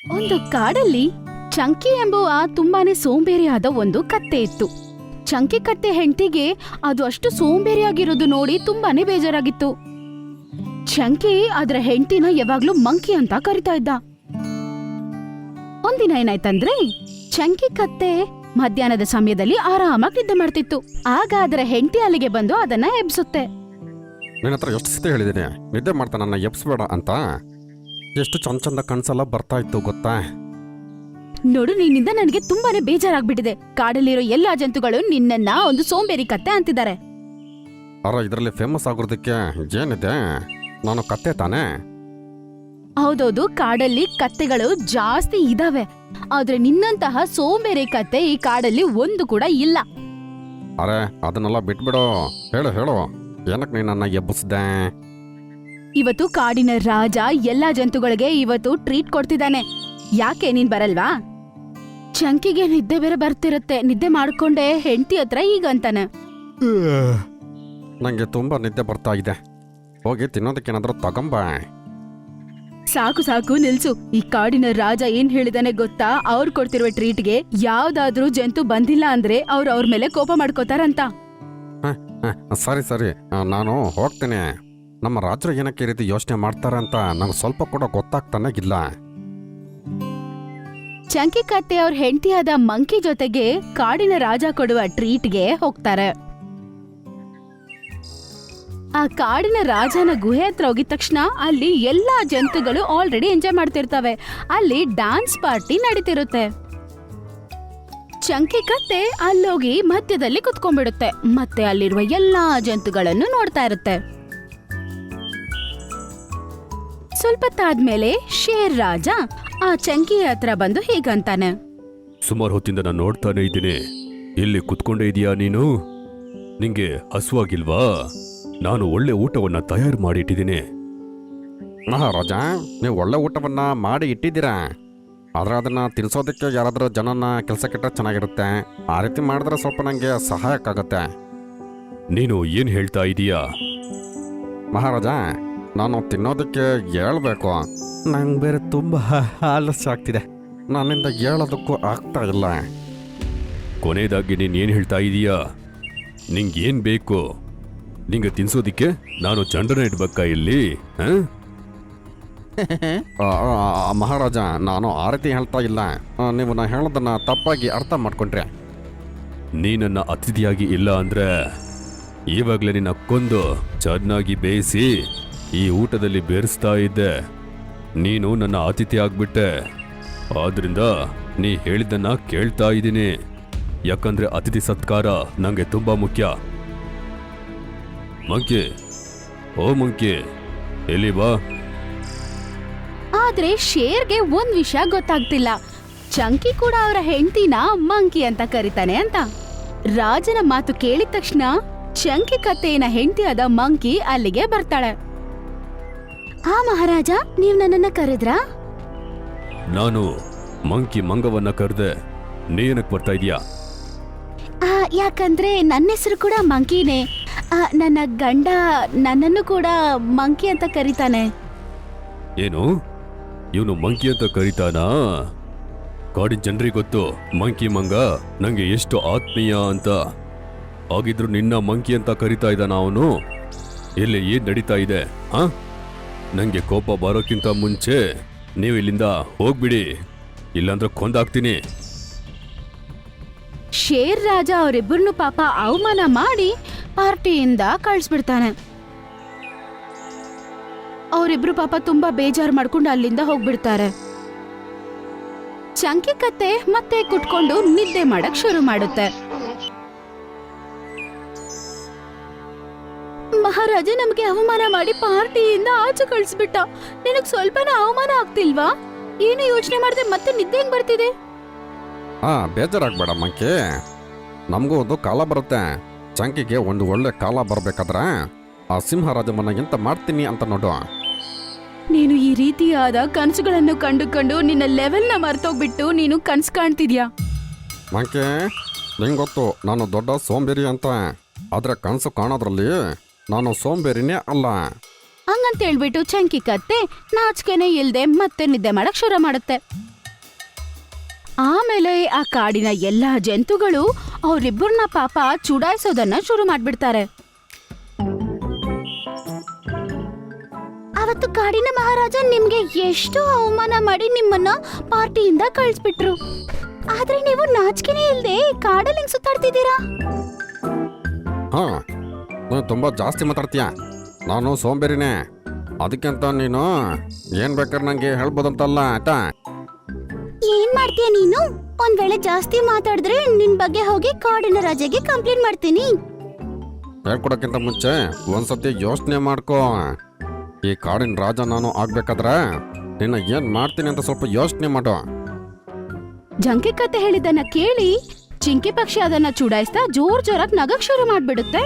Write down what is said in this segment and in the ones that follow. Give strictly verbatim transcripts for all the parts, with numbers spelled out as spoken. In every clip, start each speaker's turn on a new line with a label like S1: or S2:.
S1: ಒಂದು ಕಾಡಲ್ಲಿ ಚಂಕಿ ಎಂಬುವ ತುಂಬಾನೇ ಸೋಂಬೇರಿಯಾದ ಒಂದು ಕತ್ತೆ ಇತ್ತು. ಚಂಕಿ ಕತ್ತೆ ಹೆಂಡತಿಗೆ ಅದು ಅಷ್ಟು ಸೋಂಬೇರಿಯಾಗಿರೋದು ನೋಡಿ ತುಂಬಾನೇ ಬೇಜಾರಾಗಿತ್ತು. ಚಂಕಿ ಅದರ ಹೆಂಡತಿನ ಯಾವಾಗ್ಲೂ ಮಂಕಿ ಅಂತ ಕರಿತಾ ಇದ್ದ. ಒಂದಿನ ಏನಾಯ್ತಂದ್ರೆ ಚಂಕಿ ಕತ್ತೆ ಮಧ್ಯಾಹ್ನದ ಸಮಯದಲ್ಲಿ ಆರಾಮಾಗಿ ನಿದ್ದೆ ಮಾಡ್ತಿತ್ತು. ಆಗ ಅದರ ಹೆಂಡತಿ ಅಲ್ಲಿಗೆ ಬಂದು ಅದನ್ನ ಎಬ್ಸುತ್ತೆ.
S2: ನಿನ್ನ ಹತ್ರ ಎಷ್ಟು ಸತಿ ಹೇಳಿದ್ದೀನಿ ನಿದ್ದೆ ಮಾಡ್ತಾ ನನ್ನ ಎಬ್ಸ್ಬೇಡ ಅಂತ. ಎಷ್ಟು ಚಂದ ಚಂದ ಕನ್ಸೆಲ್ಲ ಬರ್ತಾ ಇತ್ತು ಗೊತ್ತಾ?
S1: ನೋಡು, ನಿನ್ನಿಂದ ನನಗೆ ತುಂಬಾನೇ ಬೇಜಾರಾಗ್ಬಿಟ್ಟಿದೆ. ಕಾಡಲ್ಲಿರೋ ಎಲ್ಲಾ ಜಂತುಗಳು ನಿನ್ನನ್ನ ಒಂದು ಸೋಂಬೇರಿ ಕತ್ತೆ ಅಂತಿದ್ದಾರೆ.
S2: ಅರ ಇದರಲ್ಲಿ ಫೇಮಸ್ ಆಗೋದಕ್ಕೆ ಏನಿದೆ? ನಾನು ಕತ್ತೆ ತಾನೇ?
S1: ಹೌದೌದು, ಕಾಡಲ್ಲಿ ಕತ್ತೆಗಳು ಜಾಸ್ತಿ ಇದಾವೆ. ಆದ್ರೆ ನಿನ್ನಂತಹ ಸೋಂಬೇರಿ ಕತ್ತೆ ಈ ಕಾಡಲ್ಲಿ ಒಂದು ಕೂಡ ಇಲ್ಲ.
S2: ಅರೆ ಅದನ್ನೆಲ್ಲ ಬಿಟ್ಬಿಡು. ಹೇಳು ಹೇಳು, ಏನಕ್ಕೆ ನೀನು ನನ್ನ ಎಬ್ಬಿಸ್ದೆ?
S1: ಇವತ್ತು ಕಾಡಿನ ರಾಜ ಎಲ್ಲಾ ಜಂತುಗಳಿಗೆ ಇವತ್ತು ಟ್ರೀಟ್ ಕೊಡ್ತಿದ್ದಾನೆ. ಯಾಕೆ ನೀನ್ ಬರಲ್ವಾ? ಚಂಕಿಗೆ ನಿದ್ದೆ ಬೇರೆ ಬರ್ತಿರುತ್ತೆ. ನಿದ್ದೆ ಮಾಡ್ಕೊಂಡೆ ಹೆಂಡತಿ ಹತ್ರ ಈಗ ಅಂತಾನೆ.
S2: ನಂಗೆ ತುಂಬಾ ನಿದ್ದೆ ಬರ್ತಾ ಇದೆ. ಹೋಗಿ ತಿನ್ನೋದಕ್ಕೇನಾದ್ರೂ ತಗೊಂಬ.
S1: ಸಾಕು ಸಾಕು ನಿಲ್ಸು. ಈ ಕಾಡಿನ ರಾಜ ಏನ್ ಹೇಳಿದಾನೆ ಗೊತ್ತಾ? ಅವ್ರು ಕೊಡ್ತಿರುವ ಟ್ರೀಟ್ಗೆ ಯಾವ್ದಾದ್ರೂ ಜಂತು ಬಂದಿಲ್ಲ ಅಂದ್ರೆ ಅವ್ರು ಅವ್ರ ಮೇಲೆ ಕೋಪ ಮಾಡ್ಕೋತಾರಂತ.
S2: ಸರಿ ಸರಿ, ನಾನು ಹೋಗ್ತೇನೆ. ನಮ್ಮ ರಾಜರು ಏನಕ್ಕೆ ಈ ರೀತಿ ಯೋಚನೆ ಮಾಡ್ತಾರೆ ಅಂತ ನಂಗೆ ಸ್ವಲ್ಪ ಕೂಡ ಗೊತ್ತಾಗ್ತಾನೆ ಇಲ್ಲ.
S1: ಚಂಕಿ ಕತ್ತೆ ಅವ್ರ ಹೆಂಡತಿಯಾದ ಮಂಕಿ ಜೊತೆಗೆ ಕಾಡಿನ ರಾಜ ಕೊಡುವ ಟ್ರೀಟ್ಗೆ ಹೋಗ್ತಾರೆ. ಆ ಕಾಡಿನ ರಾಜನ ಗುಹೆ ಹತ್ರ ಹೋಗಿದ ತಕ್ಷಣ ಅಲ್ಲಿ ಎಲ್ಲಾ ಜಂತುಗಳು ಆಲ್ರೆಡಿ ಎಂಜಾಯ್ ಮಾಡ್ತಿರ್ತವೆ. ಅಲ್ಲಿ ಡ್ಯಾನ್ಸ್ ಪಾರ್ಟಿ ನಡೀತಿರುತ್ತೆ. ಚಂಕಿ ಕತ್ತೆ ಅಲ್ಲೋಗಿ ಮಧ್ಯದಲ್ಲಿ ಕುತ್ಕೊಂಡ್ಬಿಡುತ್ತೆ. ಮತ್ತೆ ಅಲ್ಲಿರುವ ಎಲ್ಲಾ ಜಂತುಗಳನ್ನು ನೋಡ್ತಾ ಇರುತ್ತೆ. ಸ್ವಲ್ಪ ತಾದ್ಮೇಲೆ ಶೇರ್ ರಾಜ ಆ ಚಂಕಿ ಹತ್ರ ಬಂದು ಹೀಗಂತಾನೆ.
S3: ಸುಮಾರು ಹೊತ್ತಿಂದ ನಾನು ನೋಡ್ತಾನೆ ಇದ್ದೀನಿ. ಇಲ್ಲಿ ಕುತ್ಕೊಂಡೇ ಇದೀಯಾ ನೀನು? ನಿಂಗೆ ಹಸುವಾಗಿಲ್ವಾ? ನಾನು ಒಳ್ಳೆ ಊಟವನ್ನ ತಯಾರು ಮಾಡಿ ಇಟ್ಟಿದ್ದೀನಿ.
S2: ಮಹಾರಾಜ, ನೀವು ಒಳ್ಳೆ ಊಟವನ್ನ ಮಾಡಿ ಇಟ್ಟಿದ್ದೀರಾ. ಆದ್ರೆ ಅದನ್ನ ತಿನ್ಸೋದಕ್ಕೆ ಯಾರಾದ್ರೂ ಜನನ ಕೆಲಸಕ್ಕಿಟ್ರೆ ಚೆನ್ನಾಗಿರುತ್ತೆ. ಆ ರೀತಿ ಮಾಡಿದ್ರೆ ಸ್ವಲ್ಪ ನಂಗೆ ಸಹಾಯಕ್ಕಾಗತ್ತೆ.
S3: ನೀನು ಏನ್ ಹೇಳ್ತಾ ಇದೀಯಾ?
S2: ಮಹಾರಾಜ, ನಾನು ತಿನ್ನೋದಕ್ಕೆ ಹೇಳ್ಬೇಕು. ನಂಗೆ ಬೇರೆ ತುಂಬಾ ಆಲಸ್ಯ ಆಗ್ತಿದೆ. ನನ್ನಿಂದ ಹೇಳೋದಕ್ಕೂ ಆಗ್ತಾ ಇಲ್ಲ.
S3: ಕೊನೆಯದಾಗಿ ನೀನ್ ಏನ್ ಹೇಳ್ತಾ ಇದೀಯಾ? ನಿಂಗೇನ್ ಬೇಕು? ನಿಂಗೆ ತಿನ್ಸೋದಿಕ್ಕೆ ನಾನು ಚಂಡನ ಇಡ್ಬೇಕಾ ಇಲ್ಲಿ?
S2: ಆ, ಆ, ಮಹಾರಾಜ, ನಾನು ಆ ರೀತಿ ಹೇಳ್ತಾ ಇಲ್ಲ. ಆ, ನೀವು ನಾ ಹೇಳೋದನ್ನ ತಪ್ಪಾಗಿ ಅರ್ಥ ಮಾಡ್ಕೊಂಡ್ರೆ.
S3: ನೀ ನನ್ನ ಅತಿಥಿಯಾಗಿ ಇಲ್ಲ ಅಂದ್ರೆ ಇವಾಗಲೇ ನಿನ್ನ ಕೊಂದು ಚೆನ್ನಾಗಿ ಬೇಯಿಸಿ ಈ ಊಟದಲ್ಲಿ ಬೇರಿಸ್ತಾ ಇದ್ದೆ. ನೀನು ನನ್ನ ಅತಿಥಿ ಆಗ್ಬಿಟ್ಟೆ. ಆದ್ರಿಂದ ನೀ ಹೇಳಿದ್ದನ್ನ ಕೇಳ್ತಾ ಇದ್ದೀನಿ. ಯಾಕಂದ್ರೆ ಅತಿಥಿ ಸತ್ಕಾರ ನಂಗೆ ತುಂಬಾ ಮುಖ್ಯ. ಮಂಕಿ, ಓ ಮಂಕಿ, ಎಲ್ಲಿ ಬಾ.
S1: ಆದ್ರೆ ಶೇರ್ಗೆ ಒಂದ್ ವಿಷಯ ಗೊತ್ತಾಗ್ತಿಲ್ಲ. ಚಂಕಿ ಕೂಡ ಅವರ ಹೆಂಡತಿನ ಮಂಕಿ ಅಂತ ಕರೀತಾನೆ ಅಂತ. ರಾಜನ ಮಾತು ಕೇಳಿದ ತಕ್ಷಣ ಚಂಕಿ ಕತ್ತೆಯ ಹೆಂಡತಿಯಾದ ಮಂಕಿ ಅಲ್ಲಿಗೆ ಬರ್ತಾಳೆ. ಆ ಮಹಾರಾಜ, ನೀವ್ ನನ್ನನ್ನ ಕರೆದ್ರಾ?
S3: ನಾನು ಮಂಕಿ ಮಂಗವನ್ನ ಕರೆದೆ. ನೀನಕ್ ಬರ್ತಾ ಇದೀಯಾ?
S1: ಆ, ಯಾಕಂದ್ರೆ ನನ್ನ ಹೆಸರು ಕೂಡ ಮಂಕಿನೇ. ಆ, ನನ್ನ ಗಂಡ ನನ್ನನ್ನು ಕೂಡ ಮಂಕಿ ಅಂತ ಕರೀತಾನೆ.
S3: ಏನು, ಇವನು ಮಂಕಿ ಅಂತ ಕರೀತಾನಾ? ಕಾಡಿನ ಜನರಿಗೆ ಗೊತ್ತು ಮಂಕಿ ಮಂಗ ನಂಗೆ ಎಷ್ಟು ಆತ್ಮೀಯ ಅಂತ. ಹಾಗಿದ್ರು ನಿನ್ನ ಮಂಕಿ ಅಂತ ಕರೀತಾ ಇದ್ದಾನ ಅವನು? ಇಲ್ಲಿ ಏನ್ ನಡೀತಾ ಇದೆ? ಹಾ, ನಂಗೆ ಕೋಪ ಬರೋಕ್ಕಿಂತ ಮುಂಚೆ ನೀವು ಇಲ್ಲಿಂದ ಹೋಗ್ಬಿಡಿ, ಇಲ್ಲಾಂದ್ರೆ ಕೊಂದಾಕ್ತೀನಿ.
S1: ಶೇರ್ ರಾಜ ಅವರಿಬ್ಬರನ್ನು ಪಾಪ ಅವಮಾನ ಮಾಡಿ ಪಾರ್ಟಿಯಿಂದ ಕಳಿಸ್ಬಿಡ್ತಾನೆ. ಅವರಿಬ್ರು ಪಾಪ ತುಂಬಾ ಬೇಜಾರು ಮಾಡ್ಕೊಂಡು ಅಲ್ಲಿಂದ ಹೋಗ್ಬಿಡ್ತಾರೆ. ಚಂಕಿ ಕತ್ತೆ ಮತ್ತೆ ಕುಟ್ಕೊಂಡು ನಿದ್ದೆ ಮಾಡಕ್ ಶುರು ಮಾಡುತ್ತೆ. ಮಹಾರಾಜ ನಮ್ಗೆ ಅವಮಾನ ಮಾಡಿ ಪಾರ್ಟಿಯಿಂದ ಆಚೆ ಕಳಿಸ್ಬಿಟ್ಟ. ನಿನಗ್ ಸ್ವಲ್ಪನ ಅವಮಾನ ಆಗ್ತಿಲ್ವಾ? ಏನು ಯೋಚನೆ ಮಾಡದೆ ಮತ್ತೆ ನಿದ್ದೆ ಹೆಂಗ್ ಬರ್ತಿದೆ?
S2: ಹಾ, ಬೇಜಾರಾಗ್ಬೇಡ ಮಂಕಿ. ನಮಗೂ ಒಂದು ಕಾಲ ಬರುತ್ತೆ. ಚಂಕಿಗೆ ಒಂದು ಒಳ್ಳೆ ಕಾಲ ಬರ್ಬೇಕಾದ್ರೆ ಆ ಸಿಂಹರಾಜಮನ್ನ ಎಂತ ಮಾಡ್ತೀನಿ ಅಂತ ನೋಡು.
S1: ನೀನು ಈ ರೀತಿಯಾದ ಕನಸುಗಳನ್ನು ಕಂಡುಕೊಂಡು ನಿನ್ನ ಲೆವೆಲ್ನ ಮರ್ತೋಗ್ಬಿಟ್ಟು ನೀನು ಕನ್ಸು ಕಾಣ್ತಿದ್ಯಾ?
S2: ಮಂಕಿ, ನಿಂಗೆ ಗೊತ್ತು ನಾನು ದೊಡ್ಡ ಸೋಂಬೇರಿ ಅಂತ. ಆದ್ರೆ ಕನಸು ಕಾಣೋದ್ರಲ್ಲಿ ನಾನು ಸೋಂಬೇರಿನೇ ಅಲ್ಲ.
S1: ಹಂಗಂತ ಹೇಳ್ಬಿಟ್ಟು ಚಂಕಿ ಕತ್ತೆ ನಾಚಿಕೆನೆ ಇಲ್ದೆ ಮತ್ತೆ ನಿದ್ದೆ ಮಾಡಕ್ ಶುರು ಮಾಡುತ್ತೆ. ಆಮೇಲೆ ಆ ಕಾಡಿನ ಎಲ್ಲಾ ಜಂತುಗಳು ಅವರಿಬ್ಬರನ್ನ ಪಾಪ ಚುಡಾಯಿಸೋದನ್ನ ಶುರು ಮಾಡ್ಬಿಡ್ತಾರೆ. ಅವತ್ತು ಕಾಡಿನ ಮಹಾರಾಜ ನಿಮ್ಗೆ ಎಷ್ಟು ಅವಮಾನ ಮಾಡಿ ನಿಮ್ಮನ್ನ ಪಾರ್ಟಿಯಿಂದ ಕಳಿಸ್ಬಿಟ್ರು. ಆದ್ರೆ ನೀವು ನಾಚಿಕೆನೇ ಇಲ್ದೆ ಕಾಡಲ್ಲಿ ಹೆಂಗ್ ಸುತ್ತಾಡ್ತಿದ್ದೀರಾ?
S2: ಹಾ ನೀನು ತುಂಬ ಜಾಸ್ತಿ ಮಾತಾಡ್ತೀಯ. ನಾನು ಸೋಂಬೇರಿನೇ, ಅದಕ್ಕಿಂತ ನೀನು ಏನು ಬೇಕಾದ್ರೆ ನನಗೆ ಹೇಳ್ಬೋದಂತಲ್ಲ ಆಯ್ತಾ?
S1: ಏನ್ ಮಾಡ್ತೀಯ ನೀನು? ಒಂದ್ ವೇಳೆ ಜಾಸ್ತಿ ಮಾತಾಡಿದ್ರೆ ನಿನ್ ಬಗ್ಗೆ ಹೋಗಿ ಕಾಡಿನ ರಾಜಗೆ ಕಂಪ್ಲೇಂಟ್ ಮಾಡ್ತೀನಿ.
S2: ಹೇಳ್ಕೊಡೋಕ್ಕಿಂತ ಮುಂಚೆ ಒಂದ್ಸತಿ ಯೋಚನೆ ಮಾಡ್ಕೋ. ಈ ಕಾಡಿನ ರಾಜ ನಾನು ಆಗ್ಬೇಕಾದ್ರೆ ನಿನ್ನ ಏನು ಮಾಡ್ತೀನಿ ಅಂತ ಸ್ವಲ್ಪ ಯೋಚನೆ ಮಾಡು.
S1: ಜಂಕಿ ಕತೆ ಹೇಳಿದ್ದನ್ನ ಕೇಳಿ ಚಿಂಕಿ ಪಕ್ಷಿ ಅದನ್ನ ಚುಡಾಯಿಸ್ತಾ ಜೋರ್ ಜೋರಾಗಿ ನಗಕ್ ಶುರು ಮಾಡ್ಬಿಡುತ್ತೆ.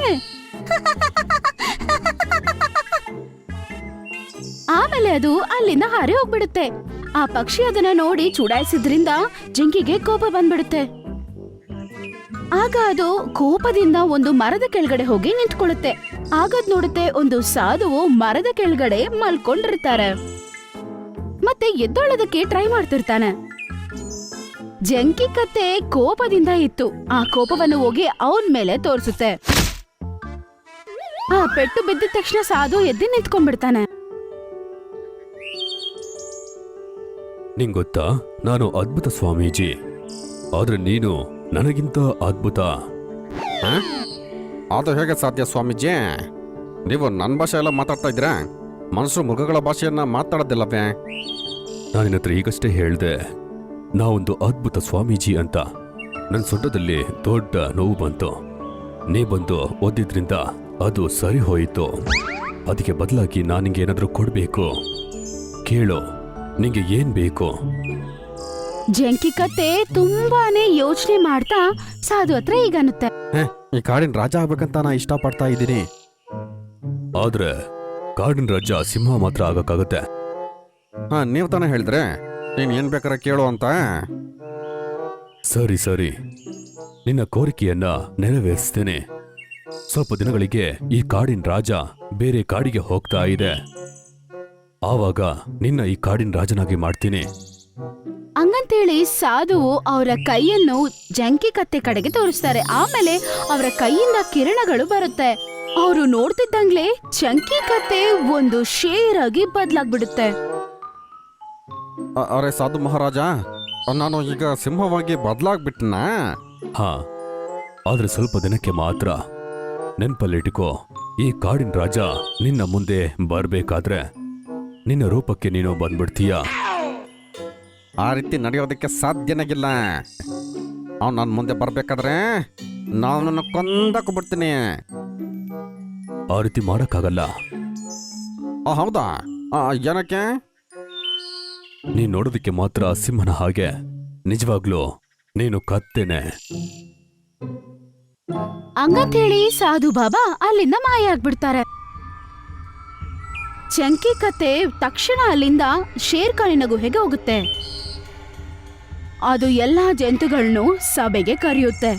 S1: ಆಮೇಲೆ ಅದು ಅಲ್ಲಿಂದ ಹಾರಿ ಹೋಗ್ಬಿಡುತ್ತೆ. ಆ ಪಕ್ಷಿ ಅದನ್ನ ನೋಡಿ ಚುಡಾಯಿಸಿದ್ರಿಂದ ಜಿಂಕಿಗೆ ಕೋಪ ಬಂದ್ಬಿಡುತ್ತೆ. ಆಗ ಅದು ಕೋಪದಿಂದ ಒಂದು ಮರದ ಕೆಳಗಡೆ ಹೋಗಿ ನಿಂತ್ಕೊಳ್ಳುತ್ತೆ. ಆಗದ್ ನೋಡುತ್ತೆ ಒಂದು ಸಾಧುವು ಮರದ ಕೆಳಗಡೆ ಮಲ್ಕೊಂಡಿರ್ತಾರೆ ಮತ್ತೆ ಎದ್ದೊಳ್ಳೋದಕ್ಕೆ ಟ್ರೈ ಮಾಡ್ತಿರ್ತಾನೆ. ಜಂಕಿ ಕತ್ತೆ ಕೋಪದಿಂದ ಇತ್ತು. ಆ ಕೋಪವನ್ನು ಹೋಗಿ ಅವನ್ ಮೇಲೆ ತೋರಿಸುತ್ತೆ. ಆ ಪೆಟ್ಟು ಬಿದ್ದ ತಕ್ಷಣ ಸಾಧು ಎದ್ದು ನಿಂತ್ಕೊಂಡ್ಬಿಡ್ತಾನೆ.
S3: ನಿಂಗ್ ಗೊತ್ತಾ, ನಾನು ಅದ್ಭುತ ಸ್ವಾಮೀಜಿ, ಆದ್ರೆ ನೀನು ನನಗಿಂತ ಅದ್ಭುತ.
S2: ಆ? ಅದು ಹೇಗೆ ಸಾಧ್ಯ ಸ್ವಾಮೀಜಿ? ನೀವು ನನ್ನ ಭಾಷೆ ಎಲ್ಲ ಮಾತಾಡ್ತಾ ಇದ್ದೀರಾ? ಮನುಷ್ಯರು ಮೃಗಗಳ ಭಾಷೆಯನ್ನ ಮಾತಾಡೋದಿಲ್ಲವೇ?
S3: ನಾನು ನಿನ್ನ ಹತ್ರ ಈಗಷ್ಟೇ ಹೇಳ್ದೆ ನಾವೊಂದು ಅದ್ಭುತ ಸ್ವಾಮೀಜಿ ಅಂತ. ನನ್ನ ಸೊಂಟದಲ್ಲಿ ದೊಡ್ಡ ನೋವು ಬಂತು. ನೀ ಬಂದು ಓದಿದ್ರಿಂದ ಅದು ಸರಿ ಹೋಯಿತು. ಅದಕ್ಕೆ ಬದಲಾಗಿ ನಾನು ನಿಂಗೆ ಏನಾದರೂ ಕೊಡಬೇಕು. ಕೇಳು, ನಿಂಗೆ ಏನ್ ಬೇಕು?
S1: ಜಂಕಿ ಕತ್ತೆ ತುಂಬಾನೇ ಯೋಚನೆ ಮಾಡ್ತಾ ಸಾಧು ಹತ್ರ ಈಗ ಅನ್ನುತ್ತೆ.
S2: ಹೇ, ಈ ಕಾಡಿನ ರಾಜ ಆಗ್ಬೇಕಂತ ನಾ ಇಷ್ಟಪಡ್ತಾ ಇದ್ದೀನಿ.
S3: ಆದ್ರೆ ಕಾಡಿನ ರಾಜ ಸಿಂಹ ಮಾತ್ರ ಆಗಕ್ಕಾಗತ್ತೆ.
S2: ಹಾ, ನೀವು ತಾನೇ ಹೇಳಿದ್ರೆ ನೀನು ಏನು ಬೇಕಾದ್ರೆ ಕೇಳು ಅಂತ.
S3: ಸರಿ ಸರಿ, ನಿನ್ನ ಕೋರಿಕೆಯನ್ನ ನೆರವೇರಿಸ್ತೇನೆ. ಸ್ವಲ್ಪ ದಿನಗಳಿಗೆ ಈ ಕಾಡಿನ ರಾಜ ಬೇರೆ ಕಾಡಿಗೆ ಹೋಗ್ತಾ ಇದೆ. ಆವಾಗ ನಿನ್ನ ಈ ಕಾಡಿನ ರಾಜನಾಗಿ ಮಾಡ್ತೀನಿ.
S1: ಹಂಗಂತೇಳಿ ಸಾಧುವು ಅವರ ಕೈಯನ್ನು ಜಂಕಿ ಕತ್ತೆ ಕಡೆಗೆ ತೋರಿಸ್ತಾರೆ. ಆಮೇಲೆ ಅವರ ಕೈಯಿಂದ ಕಿರಣಗಳು ಬರುತ್ತೆ. ಅವರು ನೋಡ್ತಿದ್ದಂಗ್ಲೆ ಜಂಕಿ ಕತ್ತೆ ಒಂದು ಶೇರ್ ಆಗಿ ಬದ್ಲಾಗ್ಬಿಡುತ್ತೆ.
S2: ಅ- ಅರೆ ಸಾಧು ಮಹಾರಾಜ, ನಾನು ಈಗ ಸಿಂಹವಾಗಿ ಬದಲಾಗ್ಬಿಟ್ನಾ?
S3: ಹಾ, ಆದ್ರೆ ಸ್ವಲ್ಪ ದಿನಕ್ಕೆ ಮಾತ್ರ. ನೆನ್ಪಲ್ಲಿಟ್ಕೋ, ಈ ಕಾಡಿನ ರಾಜ ನಿನ್ನ ಮುಂದೆ ಬರ್ಬೇಕಾದ್ರೆ ನಿನ್ನ ರೂಪಕ್ಕೆ ನೀನು ಬಂದ್ಬಿಡ್ತೀಯ.
S2: ಆ ರೀತಿ ನಡೆಯೋದಕ್ಕೆ ಸಾಧ್ಯನಾಗಿಲ್ಲ. ಅವ್ನು ನನ್ನ ಮುಂದೆ ಬರಬೇಕಾದ್ರೆ ನಾನು ನನ್ನ ಕೊಂದಾಕೊಬಿಡ್ತೀನಿ.
S3: ಆ ರೀತಿ ಮಾಡಕ್ಕಾಗಲ್ಲ.
S2: ಆ, ಹೌದಾ? ಆ, ಏನಕ್ಕೆ?
S3: ನೀನ್ ನೋಡೋದಕ್ಕೆ ಮಾತ್ರ ಸಿಂಹನ ಹಾಗೆ, ನಿಜವಾಗ್ಲೂ ನೀನು ಕತ್ತೇನೆ.
S1: ಹಂಗಂತೇಳಿ ಸಾಧು ಬಾಬಾ ಅಲ್ಲಿಂದ ಮಾಯ ಆಗ್ಬಿಡ್ತಾರೆ. ಚಂಕಿ ಕತೆ ತಕ್ಷಣ ಅಲ್ಲಿಂದ ಶೇರ್ ಖಾನಿನ ಗುಹೆಗೆ ಹೋಗುತ್ತೆ. ಅದು ಎಲ್ಲಾ ಜಂತುಗಳನ್ನು ಸಭೆಗೆ ಕರೆಯುತ್ತೆ.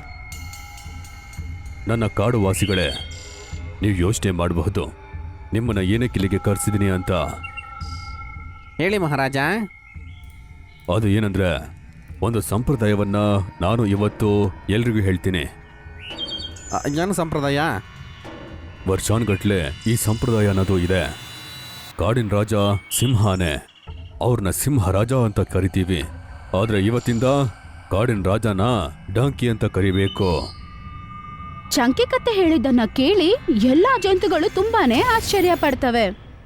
S3: ನನ್ನ ಕಾಡು ವಾಸಿಗಳೇ, ನೀವು ಯೋಚನೆ ಮಾಡಬಹುದು ನಿಮ್ಮನ್ನ ಏನಕ್ಕೆ ಇಲ್ಲಿಗೆ ಕರೆಸಿದೀನಿ ಅಂತ.
S2: ಹೇಳಿ ಮಹಾರಾಜ.
S3: ಅದು ಏನಂದ್ರೆ, ಒಂದು ಸಂಪ್ರದಾಯವನ್ನ ನಾನು ಇವತ್ತು ಎಲ್ರಿಗೂ ಹೇಳ್ತೀನಿ.
S2: ಆ, ಏನು ಸಂಪ್ರದಾಯ?
S3: ವರ್ಷಾನ್ಗಟ್ಲೆ ಈ ಸಂಪ್ರದಾಯ ಅನ್ನೋದು ಇದೆ. ಕಾಡಿನ ರಾಜ ಸಿಂಹನೇ, ಅವ್ರನ್ನ ಸಿಂಹ ರಾಜ ಅಂತ ಕರಿತೀವಿ. ಆದ್ರೆ ಇವತ್ತಿಂದ ಕಾಡಿನ ರಾಜನ ಡಾಂಕಿ ಅಂತ ಕರಿಬೇಕು.
S1: ಚಂಕಿ ಕತ್ತೆ ಹೇಳಿದ್ದನ್ನ ಕೇಳಿ ಎಲ್ಲಾ ಜಂತುಗಳು ತುಂಬಾನೇ ಆಶ್ಚರ್ಯ ಪಡ್ತವೆ.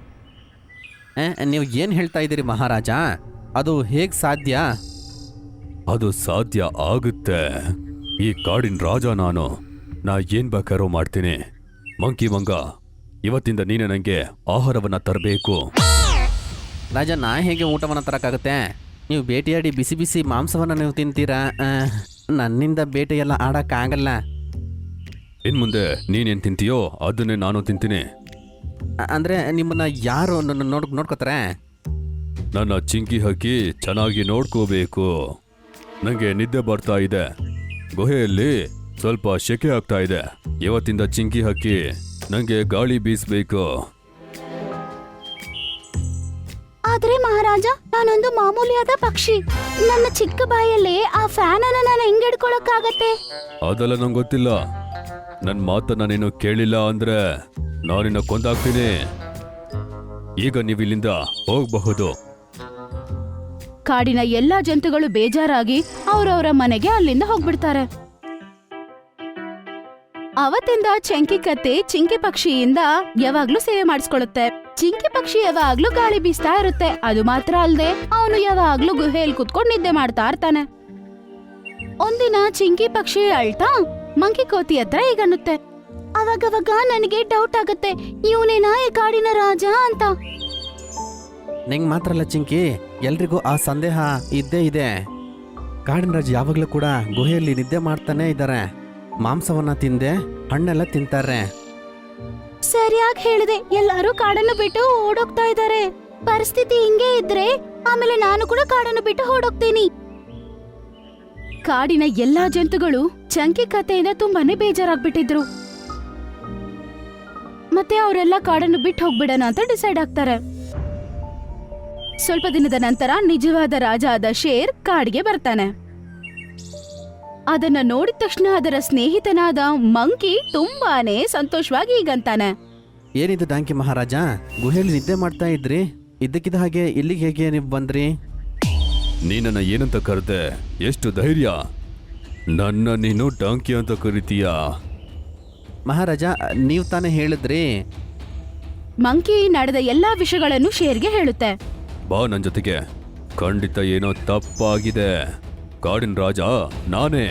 S2: ನೀವು ಏನು ಹೇಳ್ತಾ ಇದ್ದೀರಿ ಮಹಾರಾಜ? ಅದು ಹೇಗೆ ಸಾಧ್ಯ?
S3: ಅದು ಸಾಧ್ಯ ಆಗುತ್ತೆ. ಈ ಕಾಡಿನ ರಾಜ ನಾನು. ನಾ ಏನ್ ಬೇಕಾರೋ ಮಾಡ್ತೀನಿ. ಮಂಕಿ ಮಂಗ, ಇವತ್ತಿಂದ ನೀನೆ ನಂಗೆ ಆಹಾರವನ್ನ ತರಬೇಕು.
S2: ರಾಜ, ನಾ ಹೇಗೆ ಊಟವನ್ನು ತರಕ್ಕಾಗುತ್ತೆ? ನೀವು ಬೇಟೆಯಾಡಿ ಬಿಸಿ ಬಿಸಿ ಮಾಂಸವನ್ನು ನೀವು ತಿಂತೀರಾ? ಆ, ನನ್ನಿಂದ ಬೇಟೆಯೆಲ್ಲ ಆಡೋಕ್ಕಾಗಲ್ಲ.
S3: ಇನ್ ಮುಂದೆ ನೀನೇನ್ ತಿಂತೀಯೋ ಅದನ್ನೇ ನಾನು ತಿಂತೀನಿ.
S2: ಅ- ಅಂದ್ರೆ ನಿಮ್ಮನ್ನ ಯಾರು ನನ್ನ ನೋಡ್ ನೋಡ್ಕೋತಾರೆ?
S3: ನನ್ನ ಚಿಂಕಿ ಹಕ್ಕಿ ಚೆನ್ನಾಗಿ ನೋಡ್ಕೋಬೇಕು. ನಂಗೆ ನಿದ್ದೆ ಬರ್ತಾ ಇದೆ. ಗುಹೆಯಲ್ಲಿ ಸ್ವಲ್ಪ ಶೆಕೆ ಆಗ್ತಾ ಇದೆ. ಇವತ್ತಿಂದ ಚಿಂಕಿ ಹಕ್ಕಿ ನಂಗೆ ಗಾಳಿ ಬೀಸ್ಬೇಕು.
S1: ಆದ್ರೆ ಮಹಾರಾಜ, ನಾನೊಂದು ಮಾಮೂಲಿಯಾದ ಪಕ್ಷಿ. ನನ್ನ ಚಿಕ್ಕ ಬಾಯಲ್ಲಿ ಆ ಫ್ಯಾನ್ ಅನ್ನ ನಾನು ಹೆಂಗ್ ಹಿಡ್ಕೊಳಕ್ಕಾಗತ್ತೆ?
S3: ಅದೆಲ್ಲ ನಂಗೆ ಗೊತ್ತಿಲ್ಲ. ನನ್ನ ಮಾತನ್ನ ನೀನು ಕೇಳಿಲ್ಲ ಅಂದ್ರೆ ನಾನಿನ್ನ ಕೊಂದಾಗ್ತೀನಿ. ಈಗ ನೀವು ಇಲ್ಲಿಂದ ಹೋಗಬಹುದು.
S1: ಕಾಡಿನ ಎಲ್ಲಾ ಜಂತುಗಳು ಬೇಜಾರಾಗಿ ಅವ್ರವ್ರ ಮನೆಗೆ ಅಲ್ಲಿಂದ ಹೋಗ್ಬಿಡ್ತಾರೆ. ಅವತ್ತಿಂದ ಚಂಕಿ ಕತ್ತೆ ಚಿಂಕಿ ಪಕ್ಷಿಯಿಂದ ಯಾವಾಗ್ಲೂ ಸೇವೆ ಮಾಡಿಸ್ಕೊಳ್ಳುತ್ತೆ. ಚಿಂಕಿ ಪಕ್ಷಿ ಯಾವಾಗ್ಲೂ ಗಾಳಿ ಬೀಸ್ತಾ ಇರುತ್ತೆ. ಅದು ಮಾತ್ರ ಅಲ್ಲದೆ ಅವನು ಯಾವಾಗ್ಲೂ ಗುಹೆಯಲ್ಲಿ ಕುತ್ಕೊಂಡು ನಿದ್ದೆ ಮಾಡ್ತಾ ಇರ್ತಾನೆ. ಒಂದಿನ ಚಿಂಕಿ ಪಕ್ಷಿ ಅಳ್ತಾ ಮಂಕಿ ಕೋತಿ ಹತ್ರ ಈಗನ್ನುತ್ತೆ, ಅವಾಗವಾಗ ನನಗೆ ಡೌಟ್ ಆಗತ್ತೆ, ಇವನೇನಾ ಈ ಕಾಡಿನ ರಾಜ ಅಂತ.
S4: ನಿಂಗೆ ಮಾತ್ರ ಅಲ್ಲ ಚಿಂಕಿ, ಎಲ್ರಿಗೂ ಆ ಸಂದೇಹ ಇದ್ದೇ ಇದೆ. ಕಾಡಿನ ರಾಜ ಯಾವಾಗಲೂ ಕೂಡ ಗುಹೆಯಲ್ಲಿ ನಿದ್ದೆ ಮಾಡ್ತಾನೆ ಇದ್ದಾರೆ. ಮಾಂಸವನ್ನ ತಿಂದೆ ಹಣ್ಣೆಲ್ಲ ತಿಂತಾರೆ.
S1: ಸರಿಯಾಗಿ ಹೇಳಿದೆ. ಎಲ್ಲರೂ ಕಾಡನ್ನು ಬಿಟ್ಟು ಓಡೋಗ್ತಾ ಇದ್ದಾರೆ. ಪರಿಸ್ಥಿತಿ ಹಿಂಗೆ ಇದ್ರೆ ಆಮೇಲೆ ನಾನು ಕೂಡ ಕಾಡನ್ನು ಬಿಟ್ಟು ಓಡೋಗ್ತೀನಿ. ಕಾಡಿನ ಎಲ್ಲಾ ಜಂತುಗಳು ಚಂಕಿ ಕಥೆಯಿಂದ ತುಂಬಾನೇ ಬೇಜಾರಾಗ್ಬಿಟ್ಟಿದ್ರು. ಮತ್ತೆ ಅವರೆಲ್ಲ ಕಾಡನ್ನು ಬಿಟ್ಟು ಹೋಗ್ಬಿಡೋಣ ಅಂತ ಡಿಸೈಡ್ ಆಗ್ತಾರೆ. ಸ್ವಲ್ಪ ದಿನದ ನಂತರ ನಿಜವಾದ ರಾಜ ಆದ ಶೇರ್ ಕಾಡಿಗೆ ಬರ್ತಾನೆ. ಅದನ್ನ ನೋಡಿದ ತಕ್ಷಣ ಅದರ ಸ್ನೇಹಿತನಾದ ಮಂಕಿ ತುಂಬಾನೇ ಸಂತೋಷವಾಗಿ ಈಗಂತಾನೆ,
S4: ಏನಿದು ಡಾಂಕಿ ಮಹಾರಾಜ, ಗುಹೆಯಲ್ಲಿ ನಿದ್ದೆ ಮಾಡ್ತಾ ಇದ್ರಿ, ಇದ್ದಕ್ಕಿದ್ದ ಹಾಗೆ ಇಲ್ಲಿಗೆ ಹೇಗೆ ನೀವು ಬಂದ್ರಿ?
S3: ನೀನನ್ನ ಏನಂತ ಕರೆದೆ? ಎಷ್ಟು ಧೈರ್ಯ! ನನ್ನ ನೀನು ಡಾಂಕಿ ಅಂತ ಕರಿತೀಯಾ?
S4: ಮಹಾರಾಜ, ನೀವು ತಾನೇ ಹೇಳಿದ್ರಿ.
S1: ಮಂಕಿ ನಡೆದ ಎಲ್ಲಾ ವಿಷಯಗಳನ್ನು ಶೇರ್ಗೆ ಹೇಳುತ್ತೆ.
S3: ಬಾ ನನ್ ಜೊತೆಗೆ. ಖಂಡಿತ ಏನೋ ತಪ್ಪಾಗಿದೆ. ಕಾಡಿನ ರಾಜ ನಾನೇ.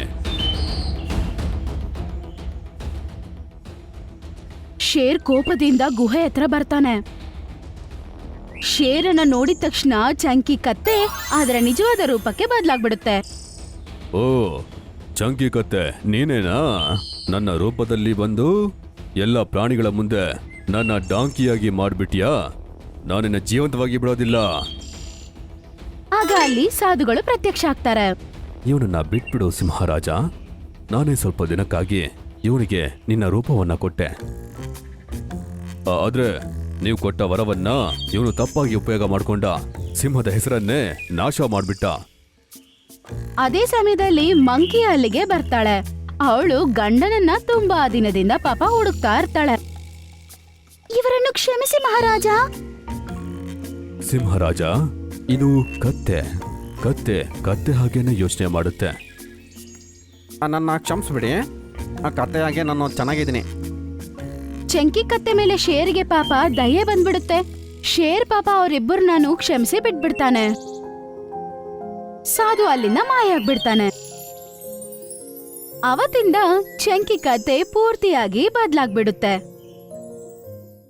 S1: ಶೇರ್ ಕೋಪದಿಂದ ಗುಹೆ ಹತ್ರ ಬರ್ತಾನೆ. ಶೇರನ್ನ ನೋಡಿದ ತಕ್ಷಣ ಚಂಕಿ ಕತ್ತೆ ಅದರ ನಿಜವಾದ ರೂಪಕ್ಕೆ ಬದಲಾಗ್ಬಿಡುತ್ತೆ.
S3: ಓ ಚಂಕಿ ಕತ್ತೆ, ನೀನೇನಾ? ನನ್ನ ರೂಪದಲ್ಲಿ ಬಂದು ಎಲ್ಲ ಪ್ರಾಣಿಗಳ ಮುಂದೆ ನನ್ನ ಡಾಂಕಿಯಾಗಿ ಮಾಡ್ಬಿಟ್ಯಾ? ನಾನಿನ್ನ ಜೀವಂತವಾಗಿ ಬಿಡೋದಿಲ್ಲ.
S1: ಆಗ ಅಲ್ಲಿ ಸಾಧುಗಳು ಪ್ರತ್ಯಕ್ಷ ಆಗ್ತಾರೆ.
S3: ಇವನನ್ನ ಬಿಟ್ಬಿಡು ಸಿಂಹರಾಜ. ನಾನೇ ಸ್ವಲ್ಪ ದಿನಕ್ಕಾಗಿ ಇವನಿಗೆ ನಿನ್ನ ರೂಪವನ್ನ ಕೊಟ್ಟೆ. ಆದ್ರೆ ನೀವು ಕೊಟ್ಟ ವರವನ್ನ ಇವನು ತಪ್ಪಾಗಿ ಉಪಯೋಗ ಮಾಡ್ಕೊಂಡ. ಸಿಂಹದ ಹೆಸರನ್ನೇ ನಾಶ ಮಾಡ್ಬಿಟ್ಟ.
S1: ಅದೇ ಸಮಯದಲ್ಲಿ ಮಂಕಿ ಅಲ್ಲಿಗೆ ಬರ್ತಾಳೆ. ಅವಳು ಗಂಡನನ್ನ ತುಂಬಾ ದಿನದಿಂದ ಪಾಪ ಹುಡುಕ್ತಾ ಇರ್ತಾಳೆ. ಇವರನ್ನು ಕ್ಷಮಿಸಿ ಮಹಾರಾಜ.
S3: ಸಿಂಹರಾಜ, ಇದು ಕತ್ತೆ. ಕತ್ತೆ ಕತ್ತೆ ಹಾಗೇನೆ ಯೋಚನೆ ಮಾಡುತ್ತೆ.
S4: ನನ್ನ ಕ್ಷಮಿಸ್ಬಿಡಿ, ಆ ಕಥೆಯಾಗೆ ನಾನು ಚೆನ್ನಾಗಿದ್ದೀನಿ.
S1: ಚಂಕಿ ಕತ್ತೆ ಮೇಲೆ ಶೇರ್ಗೆ ಪಾಪ ದಯೆ ಬಂದ್ಬಿಡುತ್ತೆ. ಶೇರ್ ಪಾಪ ಅವರಿಬ್ಬರನ್ನೂ ಕ್ಷಮಿಸಿ ಬಿಟ್ಬಿಡ್ತಾನೆ. ಸಾಧು ಅಲ್ಲಿಂದ ಮಾಯ ಆಗ್ಬಿಡ್ತಾನೆ. ಅವತ್ತಿಂದ ಚಂಕಿ ಕತೆ ಪೂರ್ತಿಯಾಗಿ ಬದ್ಲಾಗ್ಬಿಡುತ್ತೆ.